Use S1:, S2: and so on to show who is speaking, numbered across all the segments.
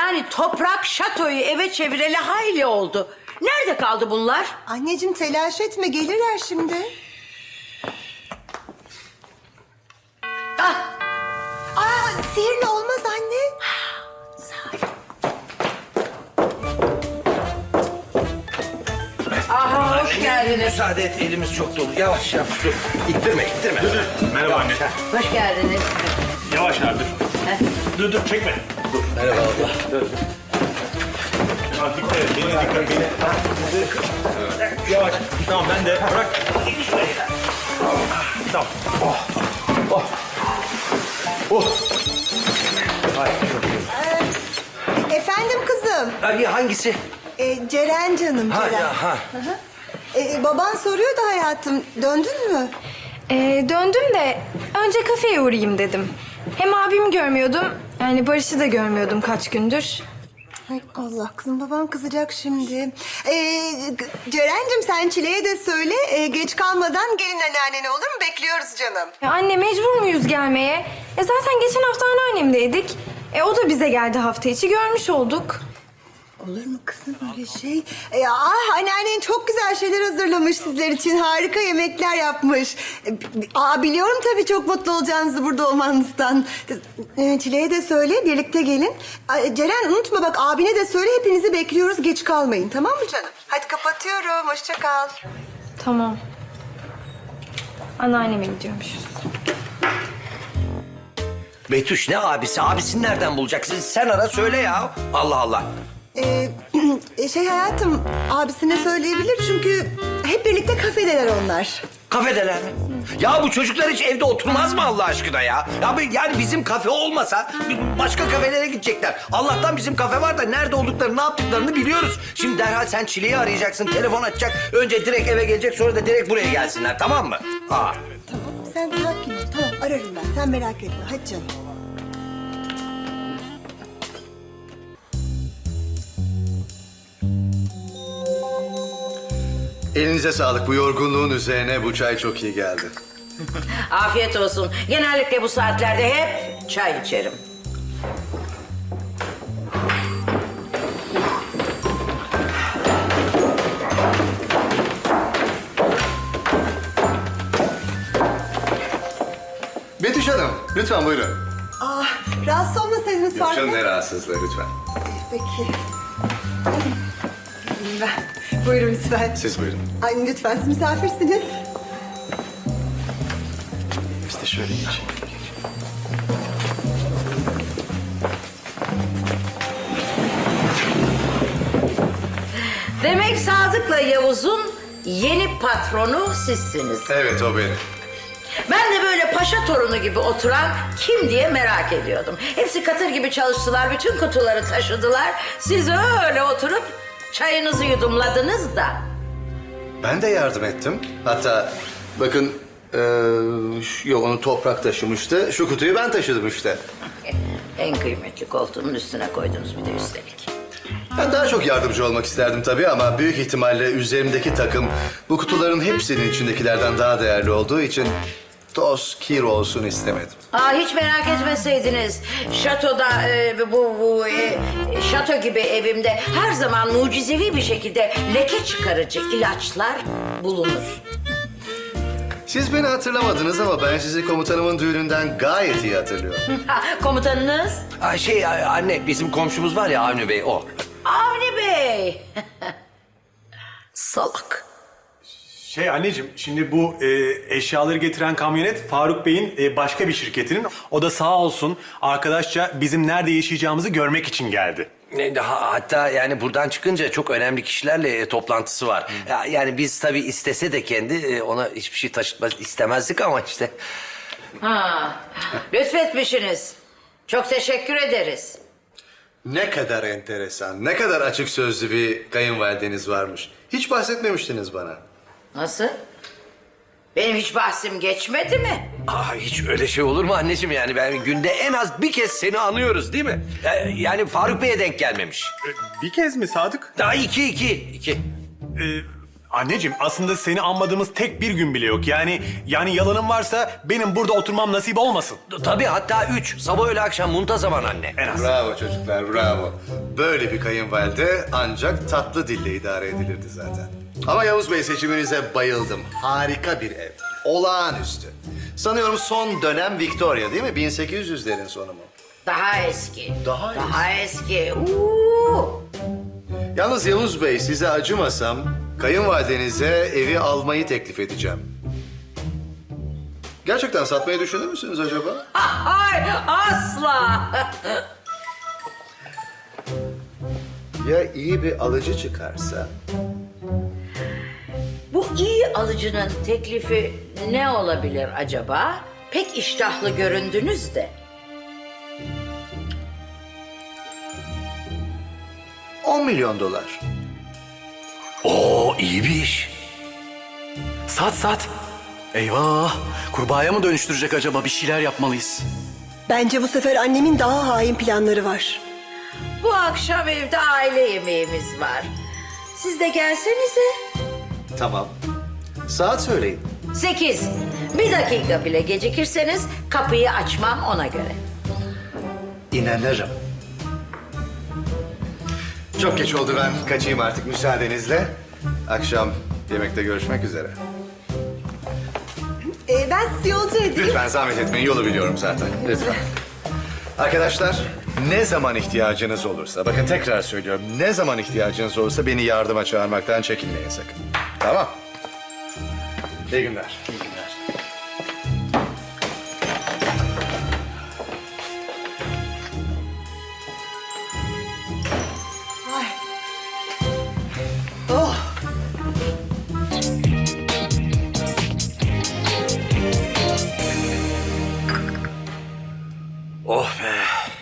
S1: Yani Toprak şatoyu eve çevireli hayli oldu. Nerede kaldı bunlar?
S2: Anneciğim telaş etme, gelirler şimdi.
S1: Ah,
S2: Sihirli olmaz anne.
S1: aha, hoş geldiniz.
S3: Müsaade et, elimiz çok dolu. Yavaş yavaş dur. İttirme.
S4: Merhaba anne.
S1: Hoş geldiniz.
S4: Yavaş abi dur. Dur çekme.
S3: Merhaba abla.
S4: Abi dikkat et. Beni. Yavaş. Tamam ben de bırak. Tamam.
S2: Efendim kızım.
S3: Abi hangisi?
S2: Ceren canım,
S3: Ha
S2: Ceren.
S3: ya ha.
S2: Baban soruyordu hayatım, döndün mü?
S5: Döndüm de önce kafeye uğrayayım dedim. Hem abimi görmüyordum, yani Barış'ı da görmüyordum kaç gündür.
S2: Ay Allah, kızım babam kızacak şimdi. Ceren'cim sen Çile'ye de söyle, geç kalmadan gelin anneannene, olur mu? Bekliyoruz canım.
S5: Ya anne mecbur muyuz gelmeye? Zaten geçen hafta anneannemdeydik. O da bize geldi hafta içi, görmüş olduk.
S2: Olur mu kızım öyle şey? Anneannen çok güzel şeyler hazırlamış sizler için. Harika yemekler yapmış. Biliyorum tabii çok mutlu olacağınızı burada olmanızdan. Çile'ye de söyle, birlikte gelin. Ceren unutma bak, abine de söyle, hepinizi bekliyoruz. Geç kalmayın, tamam mı canım? Hadi kapatıyorum, hoşça kal.
S5: Tamam. Anneanneme gidiyormuşuz.
S3: Betüş ne abisi? Abisini nereden bulacaksın? Sen ara söyle ya. Allah Allah.
S2: Hayatım, abisine söyleyebilir çünkü hep birlikte kafedeler onlar.
S3: Kafedeler mi? Ya bu çocuklar hiç evde oturmaz mı Allah aşkına ya? Yani bizim kafe olmasa başka kafelere gidecekler. Allah'tan bizim kafe var da nerede olduklarını, ne yaptıklarını biliyoruz. Şimdi derhal sen Çile'yi arayacaksın, telefon açacak. Önce direkt eve gelecek, sonra da direkt buraya gelsinler, tamam mı?
S2: Tamam, sen sakin ol. Tamam, ararım ben. Sen merak etme. Hadi canım.
S6: Elinize sağlık. Bu yorgunluğun üzerine bu çay çok iyi geldi.
S1: Afiyet olsun. Genellikle bu saatlerde hep çay içerim.
S6: Betüş Hanım, lütfen buyurun.
S2: Rahatsız olmasaydınız
S6: Yok
S2: Faruk
S6: canım,
S2: Bey.
S6: ne rahatsızlığı lütfen.
S2: Peki. Gelin ben. Buyurun lütfen.
S6: Siz buyurun.
S2: Ay lütfen, siz misafirsiniz.
S6: Biz de şöyle geçelim.
S1: Demek Sadık'la Yavuz'un yeni patronu sizsiniz.
S6: Evet, o benim.
S1: Ben de böyle paşa torunu gibi oturan kim diye merak ediyordum. Hepsi katır gibi çalıştılar, bütün kutuları taşıdılar. Siz öyle oturup çayınızı yudumladınız da.
S6: Ben de yardım ettim. Hatta bakın, yok onu Toprak taşımıştı. Şu kutuyu ben taşıdım işte.
S1: En kıymetli koltuğumun üstüne koydunuz bir de üstelik.
S6: Ben daha çok yardımcı olmak isterdim tabii ama büyük ihtimalle üzerimdeki takım bu kutuların hepsinin içindekilerden daha değerli olduğu için toz, kir olsun istemedim.
S1: Hiç merak etmeseydiniz. Şatoda şato gibi evimde her zaman mucizevi bir şekilde leke çıkarıcı ilaçlar bulunur.
S6: Siz beni hatırlamadınız ama ben sizi komutanımın düğününden gayet iyi hatırlıyorum.
S1: Komutanınız?
S3: Anne bizim komşumuz var ya Avni Bey o.
S1: Avni Bey. Salak.
S4: Anneciğim şimdi bu eşyaları getiren kamyonet Faruk Bey'in başka bir şirketinin. O da sağ olsun arkadaşça bizim nerede yaşayacağımızı görmek için geldi.
S3: Hatta yani buradan çıkınca çok önemli kişilerle toplantısı var. Yani biz tabii istese de kendi ona hiçbir şey taşıtmak istemezdik ama işte.
S1: Lütfetmişsiniz. Çok teşekkür ederiz.
S6: Ne kadar enteresan, ne kadar açık sözlü bir kayınvalideniz varmış. Hiç bahsetmemiştiniz bana.
S1: Nasıl? Benim hiç bahsim geçmedi mi?
S3: Hiç öyle şey olur mu anneciğim yani ben günde en az bir kez seni anıyoruz değil mi? Yani Faruk Bey'e denk gelmemiş.
S4: Bir kez mi Sadık?
S3: Daha iki.
S4: Anneciğim aslında seni anmadığımız tek bir gün bile yok. Yani yalanın varsa benim burada oturmam nasip olmasın.
S3: Tabii hatta 3. Sabah öğle akşam muntazaman anne.
S4: En az.
S6: Bravo çocuklar, bravo. Böyle bir kayınvalide ancak tatlı dille idare edilirdi zaten. Ama Yavuz Bey, seçiminize bayıldım. Harika bir ev. Olağanüstü. Sanıyorum son dönem Victoria değil mi? 1800'lerin sonu mu?
S1: Daha eski.
S6: Daha
S1: eski.
S6: Yalnız Yavuz Bey, size acımasam kayınvalidenize evi almayı teklif edeceğim. Gerçekten satmayı düşünür müsünüz acaba?
S1: Ay, asla.
S6: Ya iyi bir alıcı çıkarsa?
S1: Bu iyi alıcının teklifi ne olabilir acaba? Pek iştahlı göründünüz de.
S6: 10 milyon dolar.
S3: Oo iyi bir iş.
S7: Sat. Eyvah. Kurbağaya mı dönüştürecek acaba? Bir şeyler yapmalıyız.
S2: Bence bu sefer annemin daha hain planları var.
S1: Bu akşam evde aile yemeğimiz var. Siz de gelsenize.
S6: Tamam. Saat söyleyin.
S1: 8. Bir dakika bile gecikirseniz kapıyı açmam ona göre.
S6: İnanırım. Çok geç oldu, ben kaçayım artık müsaadenizle. Akşam yemekte görüşmek üzere.
S2: Ben sizi yolcu edeyim.
S6: Lütfen zahmet etmeyin, yolu biliyorum zaten. Lütfen. Arkadaşlar, ne zaman ihtiyacınız olursa, bakın tekrar söylüyorum, ne zaman ihtiyacınız olursa beni yardıma çağırmaktan çekinmeyin sakın. Tamam. İyi günler. İyi günler.
S2: Ay. Oh.
S3: Oh be.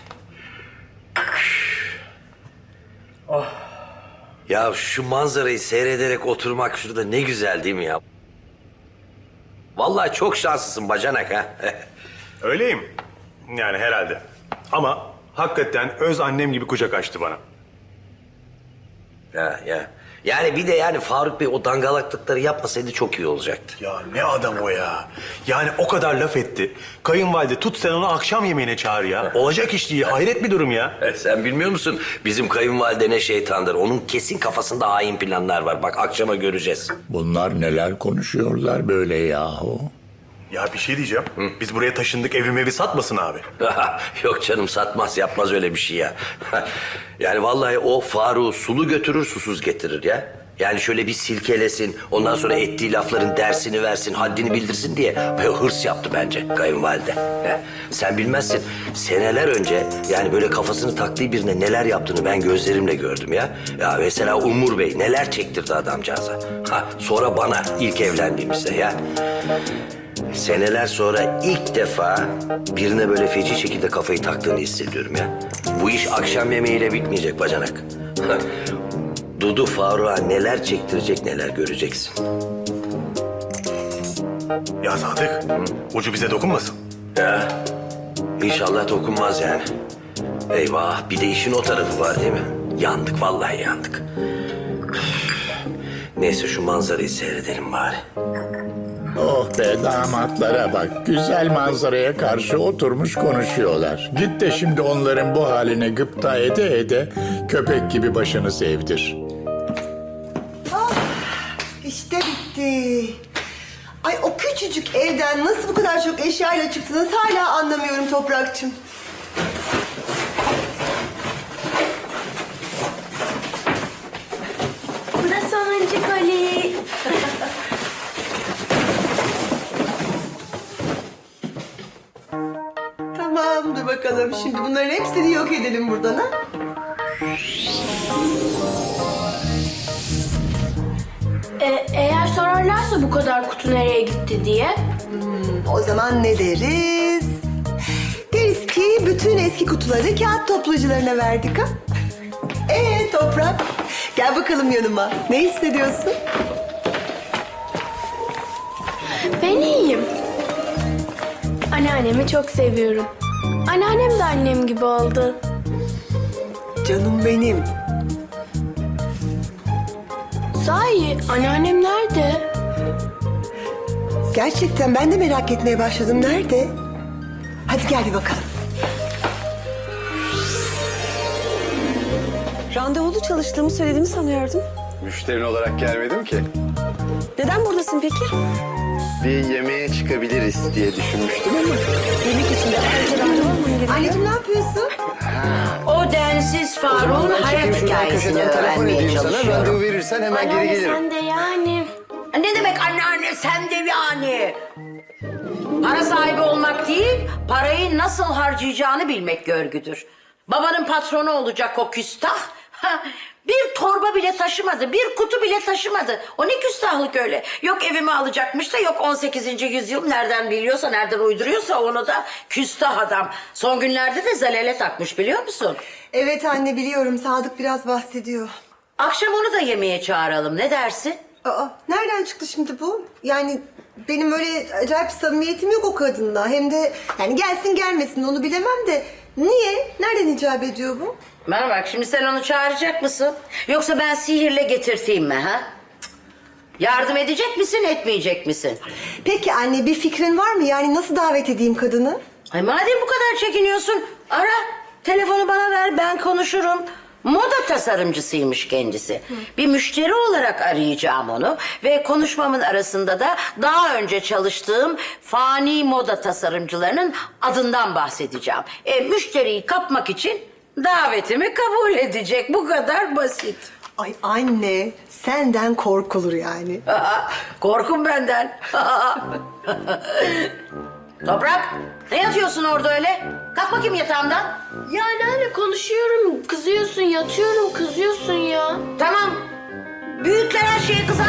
S3: Oh. Ya şu manzarayı seyrederek oturmak şurada ne güzel değil mi ya? Vallahi çok şanslısın bacanak ha.
S4: Öyleyim. Yani herhalde. Ama hakikaten öz annem gibi kucak açtı bana.
S3: Ya. Yani bir de yani Faruk Bey o dangalaklıkları yapmasaydı çok iyi olacaktı.
S4: Ya ne adam o ya. Yani o kadar laf etti. Kayınvalide tut sen onu akşam yemeğine çağır ya. Olacak iş değil. Hayret bir durum ya.
S3: Sen bilmiyor musun? Bizim kayınvalide ne şeytandır. Onun kesin kafasında hain planlar var. Bak akşama göreceğiz.
S8: Bunlar neler konuşuyorlar böyle yahu?
S4: Ya bir şey diyeceğim. Biz buraya taşındık, evi satmasın abi.
S3: Yok canım satmaz yapmaz öyle bir şey ya. Yani vallahi o Faruk'u sulu götürür susuz getirir ya. Yani şöyle bir silkelesin, ondan sonra ettiği lafların dersini versin, haddini bildirsin diye böyle hırs yaptı bence kayınvalide. Sen bilmezsin, seneler önce yani böyle kafasını taktığı birine neler yaptığını ben gözlerimle gördüm ya. Ya mesela Umur Bey neler çektirdi adamcağıza. Sonra bana ilk evlendiğimizde ya. Seneler sonra ilk defa birine böyle feci şekilde kafayı taktığını hissediyorum ya. Bu iş akşam yemeğiyle bitmeyecek bacanak. Dudu Faruk'a neler çektirecek neler göreceksin.
S4: Ya Sadık, ucu bize dokunmasın.
S3: Ya inşallah dokunmaz yani. Eyvah bir de işin o tarafı var değil mi? Yandık vallahi yandık. Neyse şu manzarayı seyredelim bari.
S8: Oh be, damatlara bak. Güzel manzaraya karşı oturmuş konuşuyorlar. Git de şimdi onların bu haline gıpta ede köpek gibi başını sevdir.
S2: İşte bitti. Ay o küçücük evden nasıl bu kadar çok eşyayla çıktınız hala anlamıyorum Toprakçığım.
S5: Bu da sonuncu koli.
S2: Tamam dur bakalım şimdi bunların hepsini yok edelim buradan ha.
S9: Eğer sorarlarsa bu kadar kutu nereye gitti diye.
S2: O zaman ne deriz? Deriz ki bütün eski kutuları kağıt toplayıcılarına verdik ha. Toprak gel bakalım yanıma. Ne hissediyorsun?
S9: Ben iyiyim. Anneannemi çok seviyorum. Anneannem de annem gibi oldu.
S2: Canım benim.
S9: Sahi anneannem nerede?
S2: Gerçekten ben de merak etmeye başladım. Nerede? Hadi gel bir bakalım.
S10: Randevulu çalıştığımı söylediğimi sanıyordum.
S6: Müşterin olarak gelmedim ki.
S10: Neden buradasın peki?
S6: Bir yemeğe çıkabiliriz diye düşünmüştüm ama.
S10: Yemek için de ayrıca randevu alman gerekiyor.
S2: Anneciğim ne yapıyorsun?
S1: O densiz Faruk'un hayat hikayesini öğrenmeye çalışıyorum.
S6: Randevu verirsen hemen geri
S9: Anneanne
S6: gelirim.
S9: sen de yani.
S1: Ne demek anneanne sen de yani? Para sahibi olmak değil, parayı nasıl harcayacağını bilmek görgüdür. Babanın patronu olacak o küstah. Bir torba bile taşımadı, bir kutu bile taşımadı. O ne küstahlık öyle. Yok evimi alacakmış da yok 18. yüzyıl nereden biliyorsa, nereden uyduruyorsa onu da küstah adam. Son günlerde de zalele takmış biliyor musun?
S2: Evet anne biliyorum. Sadık biraz bahsediyor.
S1: Akşam onu da yemeğe çağıralım ne dersin?
S2: Aa, nereden çıktı şimdi bu? Yani benim öyle acayip samimiyetim yok o kadınla. Hem de yani gelsin gelmesin onu bilemem de. Niye? Nereden icap ediyor bu?
S1: Bana bak şimdi sen onu çağıracak mısın? Yoksa ben sihirle getirteyim mi ha? Cık. Yardım edecek misin etmeyecek misin?
S2: Peki anne bir fikrin var mı? Yani nasıl davet edeyim kadını?
S1: Ay madem bu kadar çekiniyorsun ara telefonu bana ver ben konuşurum. Moda tasarımcısıymış kendisi. Bir müşteri olarak arayacağım onu ve konuşmamın arasında da daha önce çalıştığım fani moda tasarımcılarının adından bahsedeceğim. Müşteriyi kapmak için davetimi kabul edecek. Bu kadar basit.
S2: Ay anne senden korkulur yani.
S1: Korkun benden. Toprak, ne yatıyorsun orada öyle? Kalk bakayım yatağımdan.
S9: Ya anneanne konuşuyorum. Kızıyorsun, yatıyorum, kızıyorsun ya.
S1: Tamam. Büyükler her şeye kızar.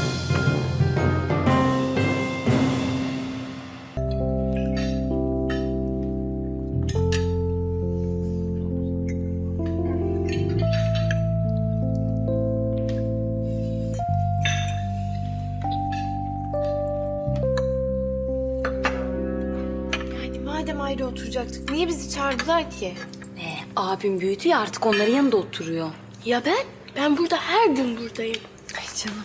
S5: Yani madem ayrı oturacaktık niye bizi çağırdılar ki?
S10: Abim büyüdü ya artık onların yanında oturuyor.
S9: Ya ben? Ben burada her gün buradayım.
S5: Ay canım.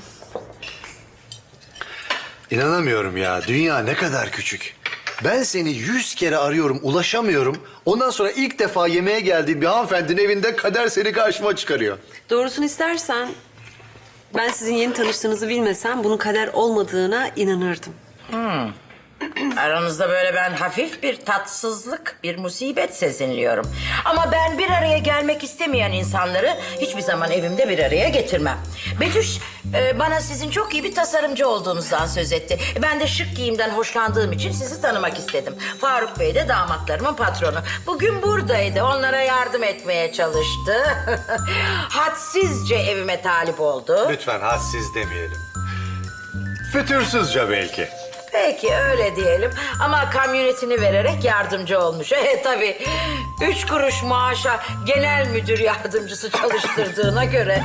S6: İnanamıyorum ya. Dünya ne kadar küçük. Ben seni 100 kere arıyorum, ulaşamıyorum. Ondan sonra ilk defa yemeğe geldiğim bir hanımefendinin evinde kader seni karşıma çıkarıyor.
S10: Doğrusunu istersen ben sizin yeni tanıştığınızı bilmesem bunun kader olmadığına inanırdım.
S1: Aranızda böyle ben hafif bir tatsızlık, bir musibet sezinliyorum. Ama ben bir araya gelmek istemeyen insanları hiçbir zaman evimde bir araya getirmem. Betüş bana sizin çok iyi bir tasarımcı olduğunuzdan söz etti. Ben de şık giyimden hoşlandığım için sizi tanımak istedim. Faruk Bey de damatlarımın patronu. Bugün buradaydı, onlara yardım etmeye çalıştı. Hadsizce evime talip oldu.
S6: Lütfen hadsiz demeyelim. Fütursuzca belki.
S1: Peki öyle diyelim ama kamyonetini vererek yardımcı olmuş. Tabii 3 kuruş maaşa genel müdür yardımcısı çalıştırdığına göre.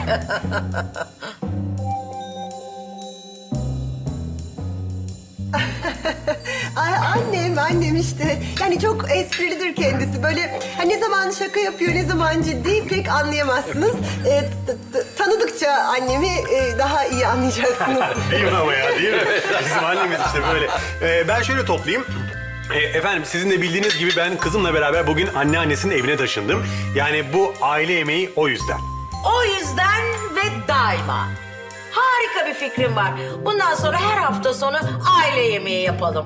S2: Ay annem işte. Yani çok esprilidir kendisi. Böyle ne zaman şaka yapıyor ne zaman ciddi pek anlayamazsınız. Tanıdıkça annemi daha iyi anlayacaksınız.
S4: Değil mi ama ya değil mi? Bizim annemiz işte böyle. Ben şöyle toplayayım. Efendim sizin de bildiğiniz gibi ben kızımla beraber bugün anneannesinin evine taşındım. Yani bu aile yemeği o yüzden.
S1: O yüzden ve daima. Harika bir fikrim var. Bundan sonra her hafta sonu aile yemeği yapalım.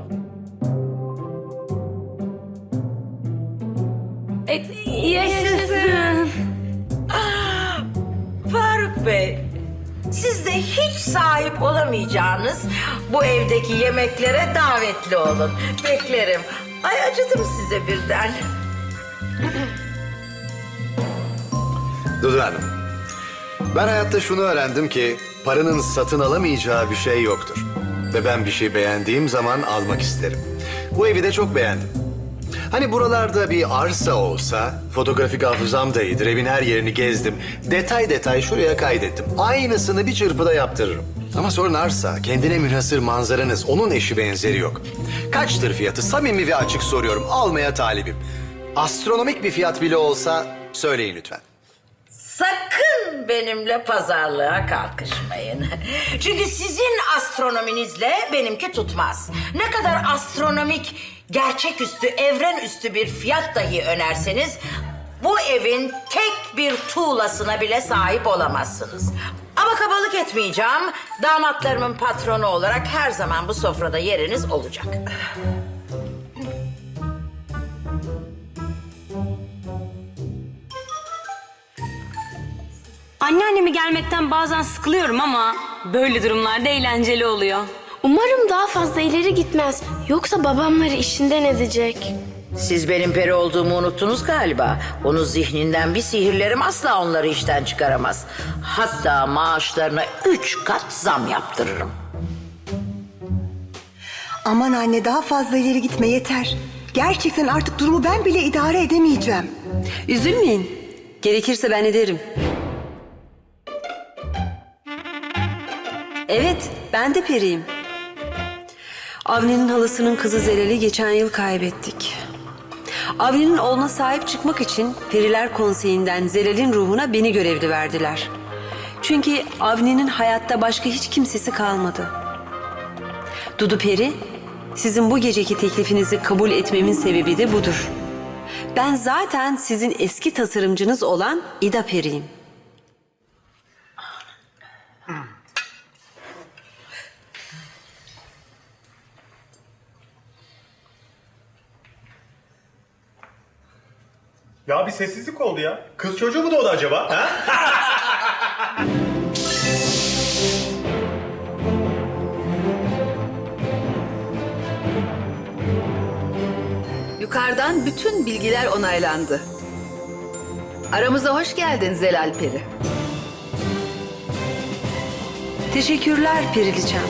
S9: Yaşasın.
S1: Faruk Bey, siz de hiç sahip olamayacağınız bu evdeki yemeklere davetli olun. Beklerim. Ay acıdım size birden.
S6: Dudu Hanım, ben hayatta şunu öğrendim ki paranın satın alamayacağı bir şey yoktur. Ve ben bir şey beğendiğim zaman almak isterim. Bu evi de çok beğendim. Hani buralarda bir arsa olsa, fotoğrafik hafızam da iyidir. Evin her yerini gezdim. Detay detay şuraya kaydettim. Aynısını bir çırpıda yaptırırım. Ama sorun arsa, kendine münhasır manzaranız, onun eşi benzeri yok. Kaçtır fiyatı? Samimi ve açık soruyorum. Almaya talibim. Astronomik bir fiyat bile olsa söyleyin lütfen.
S1: sakın benimle pazarlığa kalkışmayın. Çünkü sizin astronominizle benimki tutmaz. Ne kadar astronomik, gerçeküstü, evrenüstü bir fiyat dahi önerseniz... bu evin tek bir tuğlasına bile sahip olamazsınız. Ama kabalık etmeyeceğim. Damatlarımın patronu olarak her zaman bu sofrada yeriniz olacak.
S10: Anneannemi gelmekten bazen sıkılıyorum ama böyle durumlarda eğlenceli oluyor.
S9: Umarım daha fazla ileri gitmez. Yoksa babamları işinden edecek.
S1: Siz benim peri olduğumu unuttunuz galiba. Onun zihninden bir sihirlerim asla onları işten çıkaramaz. Hatta maaşlarına 3 kat zam yaptırırım.
S2: Aman anne daha fazla ileri gitme yeter. Gerçekten artık durumu ben bile idare edemeyeceğim.
S10: Üzülmeyin. Gerekirse ben ederim. Evet, ben de periyim. Avni'nin halasının kızı Zerel'i geçen yıl kaybettik. Avni'nin oğluna sahip çıkmak için Periler Konseyi'nden Zerel'in ruhuna beni görevli verdiler. Çünkü Avni'nin hayatta başka hiç kimsesi kalmadı. Dudu Peri, sizin bu geceki teklifinizi kabul etmemin sebebi de budur. Ben zaten sizin eski tasarımcınız olan İda Peri'yim.
S4: Ya bir sessizlik oldu ya. Kız çocuğu mu doğdu acaba? Ha?
S11: Yukarıdan bütün bilgiler onaylandı. Aramıza hoş geldin Zelal Peri.
S10: Teşekkürler Periliçem.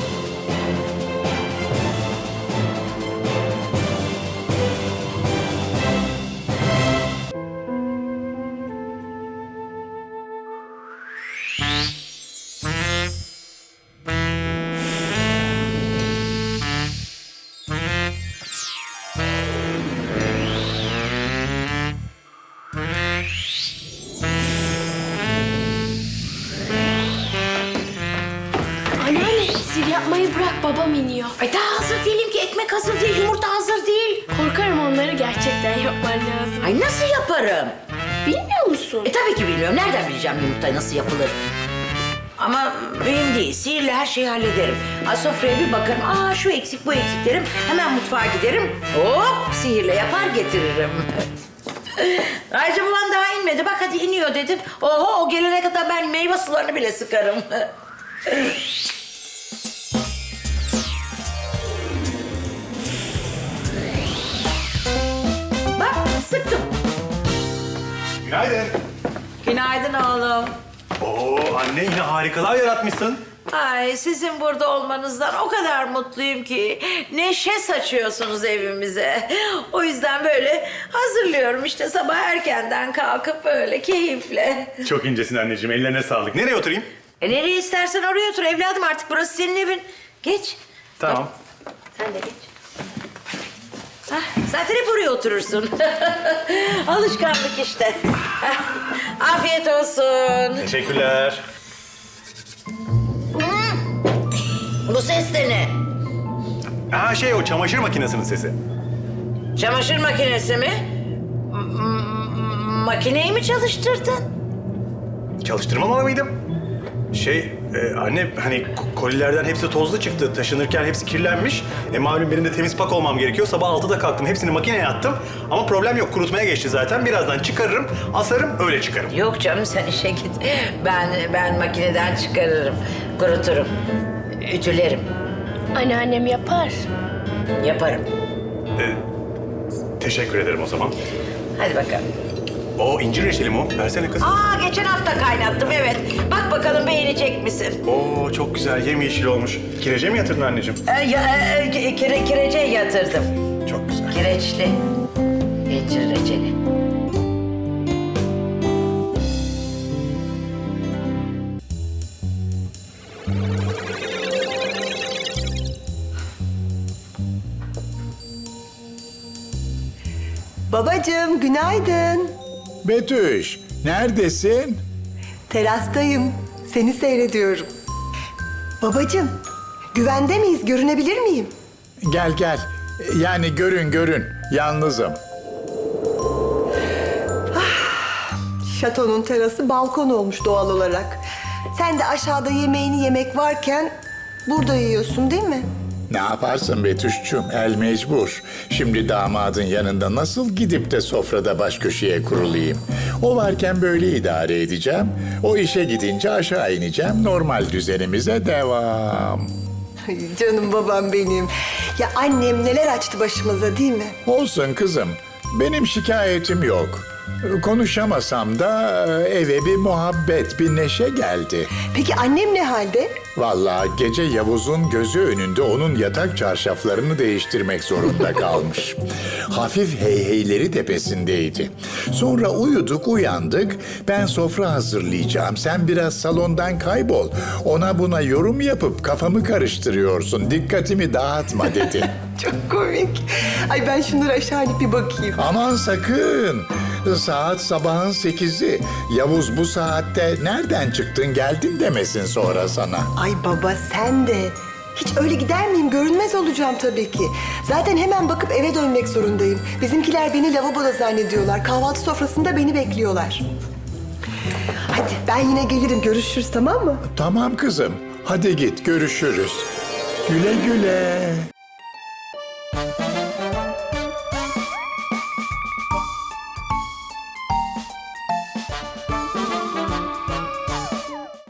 S9: Anneanne sihir yapmayı bırak, babam iniyor.
S1: Ay daha hazır değilim ki. Ekmek hazır değil, yumurta hazır değil.
S9: Korkarım onları gerçekten yapman lazım.
S1: Ay nasıl yaparım?
S9: Bilmiyor musun?
S1: Tabii ki bilmiyorum. Nereden bileceğim yumurta nasıl yapılır? Ama mühim değil. Sihirle her şeyi hallederim. Sofraya bir bakarım. Şu eksik bu eksik derim. Hemen mutfağa giderim. Hop sihirle yapar getiririm. Ayrıca babam daha inmedi. Bak hadi iniyor dedim. Oho o gelene kadar ben meyve sularını bile sıkarım. Bak sıktım.
S4: Günaydın.
S1: Günaydın oğlum.
S4: Oo anne yine harikalar yaratmışsın.
S1: Ay sizin burada olmanızdan o kadar mutluyum ki neşe saçıyorsunuz evimize. O yüzden böyle hazırlıyorum işte sabah erkenden kalkıp böyle keyifle.
S4: Çok incesin anneciğim, ellerine sağlık. Nereye oturayım?
S1: Nereye istersen oraya otur evladım artık burası senin evin. Geç.
S4: Tamam.
S1: Sen de geç. Zaten hep oraya oturursun. Alışkanlık işte. Afiyet olsun.
S4: Teşekkürler.
S1: Bu ses de ne?
S4: O çamaşır makinesinin sesi.
S1: Çamaşır makinesi mi? Makineyi mi çalıştırdın?
S4: Çalıştırmamalı mıydım? Anne hani kolilerden hepsi tozlu çıktı. Taşınırken hepsi kirlenmiş. Malum benim de temiz pak olmam gerekiyor. Sabah 6'da kalktım. Hepsini makineye attım. Ama problem yok. Kurutmaya geçti zaten. Birazdan çıkarırım, asarım, öyle çıkarım.
S1: Yok canım sen işe git. Ben makineden çıkarırım, kuruturum, ütülerim,
S9: Anneannem yapar.
S1: yaparım.
S4: Teşekkür ederim o zaman.
S1: Hadi bakalım.
S4: O incir reçeli mi o? Versene kız.
S1: Geçen hafta kaynattım evet. Bak bakalım beğenecek misin?
S4: Oo çok güzel. Yemyeşil olmuş. Kirece mi yatırdın anneciğim?
S1: Kirece yatırdım.
S4: Çok güzel.
S1: Kireçli. İncir reçeli.
S2: Babacığım günaydın.
S8: Betüş, neredesin?
S2: Terastayım. Seni seyrediyorum. Babacığım, güvende miyiz? Görünebilir miyim?
S8: Gel gel. Yani görün. Yalnızım.
S2: Şatonun terası balkon olmuş doğal olarak. Sen de aşağıda yemeğini yemek varken burada yiyorsun değil mi?
S8: Ne yaparsın Betüş'cüğüm? El mecbur. Şimdi damadın yanında nasıl gidip de sofrada baş köşeye kurulayım? O varken böyle idare edeceğim. O işe gidince aşağı ineceğim. Normal düzenimize devam.
S2: Ay, canım babam benim. Ya annem neler açtı başımıza değil mi?
S8: Olsun kızım. Benim şikayetim yok. Konuşamasam da eve bir muhabbet, bir neşe geldi.
S2: Peki annem ne halde?
S8: Vallahi gece Yavuz'un gözü önünde onun yatak çarşaflarını değiştirmek zorunda kalmış. Hafif heyheyleri tepesindeydi. Sonra uyandık. Ben sofra hazırlayacağım. Sen biraz salondan kaybol. Ona buna yorum yapıp kafamı karıştırıyorsun. Dikkatimi dağıtma dedi.
S2: Çok komik. Ay ben şunları aşağı inip bir bakayım.
S8: Aman sakın. Saat sabahın 8'i. Yavuz bu saatte nereden çıktın geldin demesin sonra sana.
S2: Ay baba sen de. Hiç öyle gider miyim? Görünmez olacağım tabii ki. Zaten hemen bakıp eve dönmek zorundayım. Bizimkiler beni lavaboda zannediyorlar. Kahvaltı sofrasında beni bekliyorlar. Hadi ben yine gelirim. Görüşürüz tamam mı?
S8: Tamam kızım. Hadi git görüşürüz. Güle güle.